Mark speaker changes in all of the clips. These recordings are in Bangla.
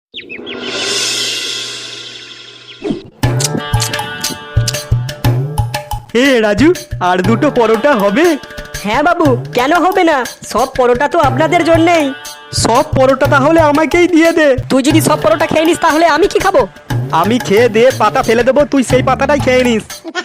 Speaker 1: এ রাজু, আর দুটো পরোটা হবে?
Speaker 2: হ্যাঁ বাবু, কেন হবে না? সব পরোটা তো আপনাদের জন্যেই।
Speaker 1: সব পরোটা তাহলে আমাকেই দিয়ে দে।
Speaker 2: তুই যদি সব পরোটা খেয়ে নিস তাহলে আমি কি খাবো?
Speaker 1: আমি খেয়ে দে পাতা ফেলে দেবো, তুই সেই পাতাটাই খেয়ে নিস।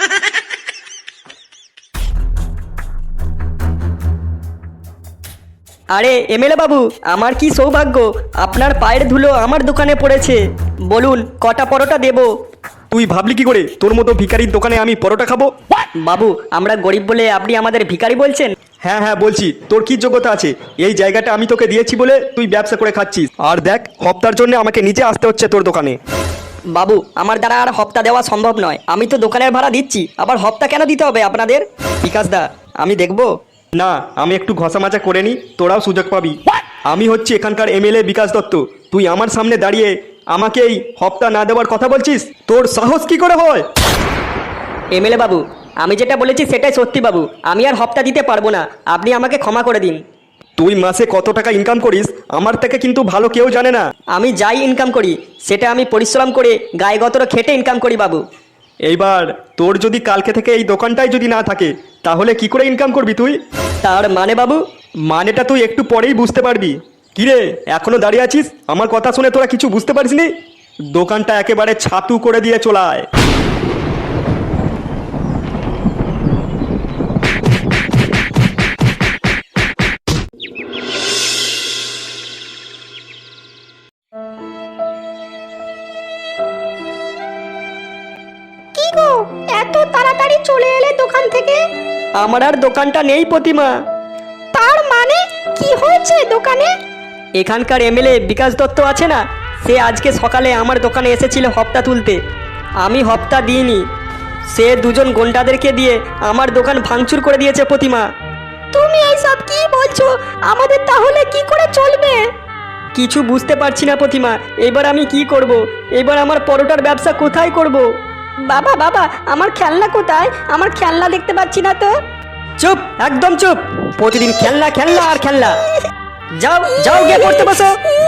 Speaker 2: আরে এমএলএ বাবু, আমার কি সৌভাগ্য, আপনার পায়ের ধুলো আমার দোকানে পড়েছে। বলুন কটা পরোটা দেবো?
Speaker 1: তুই ভাবলি কি করে তোর মতো ভিখারির দোকানে আমি পরোটা খাবো?
Speaker 2: বাবু, আমরা গরিব বলে আপনি আমাদের ভিখারি বলছেন?
Speaker 1: হ্যাঁ হ্যাঁ বলছি, তোর কি যোগ্যতা আছে? এই জায়গাটা আমি তোকে দিয়েছি বলে তুই ব্যবসা করে খাচ্ছিস, আর দেখ হপ্তার জন্য আমাকে নিজে আসতে হচ্ছে তোর দোকানে।
Speaker 2: বাবু, আমার দ্বারা আর হপ্তা দেওয়া সম্ভব নয়। আমি তো দোকানের ভাড়া দিচ্ছি, আবার হপ্তা কেন দিতে হবে আপনাদের? বিকাশ দা, আমি দেখবো।
Speaker 1: না, আমি একটু ঘষা মাজা করে নি, তোরাও সুযোগ পাবি। আমি হচ্ছি এখানকার এমএলএ বিকাশ দত্ত, তুই আমার সামনে দাঁড়িয়ে আমাকে এই হপ্তা না দেওয়ার কথা বলছিস? তোর সাহস কি করে হয়?
Speaker 2: এমএলএ বাবু, আমি যেটা বলেছি সেটাই সত্যি বাবু। আমি আর হপ্তা দিতে পারবো না, আপনি আমাকে ক্ষমা করে দিন।
Speaker 1: তুই মাসে কত টাকা ইনকাম করিস আমার থেকে কিন্তু ভালো কেউ জানে না।
Speaker 2: আমি যাই ইনকাম করি সেটা আমি পরিশ্রম করে গায়ে গতর খেটে ইনকাম করি বাবু।
Speaker 1: এইবার তোর যদি কালকে থেকে এই দোকানটাই যদি না থাকে তাহলে কি করে ইনকাম করবি তুই?
Speaker 2: তার মানে বাবু?
Speaker 1: মানেটা তুই একটু পরেই বুঝতে পারবি। কিরে, এখনো দাঁড়িয়ে আছিস? আমার কথা শুনে তোরা কিছু বুঝতে পারিসনি? দোকানটা একেবারে ছাতু করে দিয়ে চলায়।
Speaker 2: কি গো, এত তাড়াতাড়ি চলে এলে দোকান থেকে? আমার আর দোকানটা নেই প্রতিমা। তার মানে কি হয়েছে দোকানে? এখানকার এমএলএ বিকাশ দত্ত আছে না, সে আজকে সকালে আমার দোকানে এসেছিল হপ্তা তুলতে। আমি হপ্তা দিইনি, সে দুজন গুন্ডাদেরকে দিয়ে আমার দোকান ভাঙচুর করে দিয়েছে প্রতিমা। তুমি এইসব কি বলছো? আমাদের তাহলে কি করে চলবে? কিছু বুঝতে পারছি না প্রতিমা, এবার আমি কি করব? এবার আমার পরোটার ব্যবসা কোথায় করব? বাবা বাবা, আমার খেলনা কোথায়? আমার খেলনা দেখতে পাচ্ছি না তো। চুপ, একদম চুপ। প্রতিদিন খেলনা খেলনা আর খেলনা। যাও যাও, গিয়ে পড়তে বসো।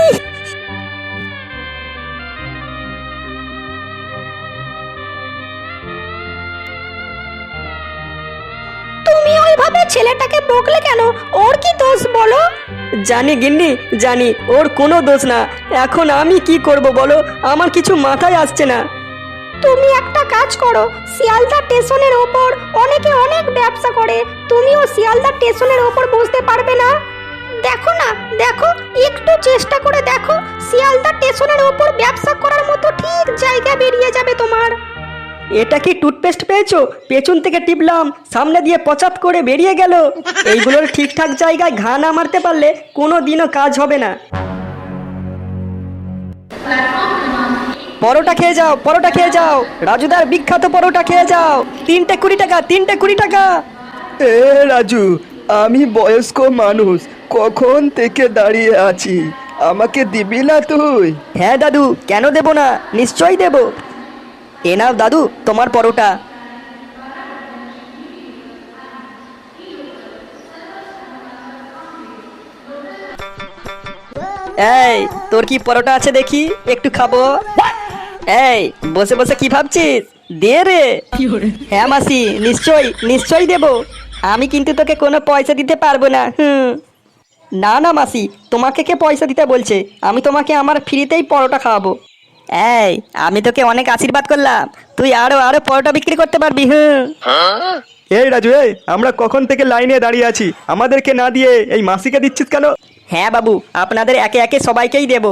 Speaker 2: তুমি ওইভাবে ছেলেটাকে বকলে কেন? ওর কি দোষ বলো? জানি গিন্নি, জানি ওর কোনো দোষ না। এখন আমি কি করব বলো? আমার কিছু মাথায় আসছে না। তুমি একটা কাজ করো, শিয়ালদা স্টেশনের ওপর অনেকে অনেক ব্যবসা করে, তুমিও শিয়ালদা স্টেশনের ওপর বসতে পারবে না? দেখো না, দেখো, একটু চেষ্টা করে দেখো, শিয়ালদা স্টেশনের ওপর ব্যবসা করার মতো ঠিক জায়গা বেরিয়ে যাবে তোমার। এটা কি টুথপেস্ট পেয়েছো? পেছন থেকে টিপলাম, সামনে দিয়ে পচাত করে বেরিয়ে গেল। এইগুলোর ঠিকঠাক জায়গায় ঘা না মারতে পারলে কোনো দিনও কাজ হবে না। পরোটা খেয়ে যাও, পরোটা খেয়ে যাও, রাজুদার বিখ্যাত পরোটা খেয়ে যাও। 3টে 20 টাকা, 3টে 20 টাকা।
Speaker 1: এ রাজু, আমি বয়স্ক মানুষ, কখন থেকে দাঁড়িয়ে আছি, আমাকে দিবি না তুই?
Speaker 2: হ্যাঁ দাদু, কেন দেব না, নিশ্চয়ই দেব। এ নাও দাদু তোমার পরোটা। এই, তোর কি পরোটা আছে দেখি, একটু খাবো। এই, বসে বসে কি ভাবছিস? দে রে। হ্যাঁ মাসি, নিশ্চয়ই নিশ্চয়ই দেব। আমি কিন্তু তোকে কোনো পয়সা দিতে পারবো না। না না মাসি, তোমাকে কে পয়সা দিতে বলছে? আমি তোমাকে আমার ফ্রিতেই পরোটা খাওয়াবো। এই, আমি তোকে অনেক আশীর্বাদ করলাম, তুই আরো আরো পরোটা বিক্রি করতে পারবি।
Speaker 1: এই রাজু, এই আমরা কখন থেকে লাইনে দাঁড়িয়ে আছি, আমাদেরকে না দিয়ে এই মাসিকে দিচ্ছিস কেন?
Speaker 2: হ্যাঁ বাবু, আপনাদের একে একে সবাইকেই দেব।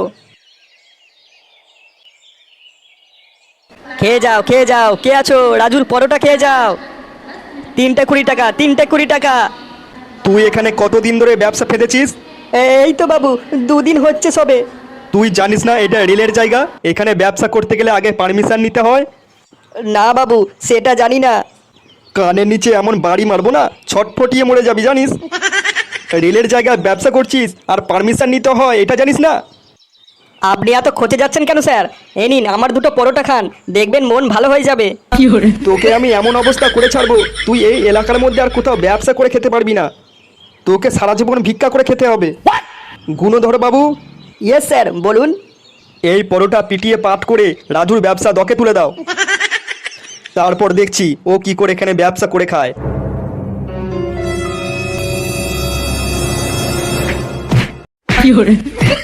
Speaker 2: খেয়ে যাও খেয়ে যাও, কে আছো? রাজুর পরোটা খেয়ে যাও। 3টে 20 টাকা, 3টে 20 টাকা।
Speaker 1: তুই এখানে কতদিন ধরে ব্যবসা ফেলেছিস?
Speaker 2: এই তো বাবু, 2 দিন হচ্ছে সবে।
Speaker 1: তুই জানিস না এটা রেলের জায়গা, এখানে ব্যবসা করতে গেলে আগে পারমিশন নিতে হয়?
Speaker 2: না বাবু, সেটা জানি না।
Speaker 1: কানের নিচে এমন বাড়ি মারবো না, ছটফটিয়ে মরে যাবি জানিস? রেলের জায়গায় ব্যবসা করছিস আর পারমিশন নিতে হয়, এটা জানিস না?
Speaker 2: আপনি এত খোঁজে যাচ্ছেন কেন স্যার? এই নিন আমার 2টো পরোটা খান, দেখবেন মন ভালো হয়ে যাবে।
Speaker 1: তোকে আমি এমন অবস্থা করে ছাড়বো, তুই এই এলাকার মধ্যে আর কোথাও ব্যবসা করে খেতে পারবি না, তোকে সারা জীবন ভিক্ষা করে খেতে হবে। গুণধর বাবু।
Speaker 2: ইয়েস স্যার, বলুন।
Speaker 1: এই পরোটা পিটিয়ে পাট করে রাজুর ব্যবসা দকে তুলে দাও, তারপর দেখছি ও কি করে এখানে ব্যবসা করে খায়।
Speaker 3: কি hore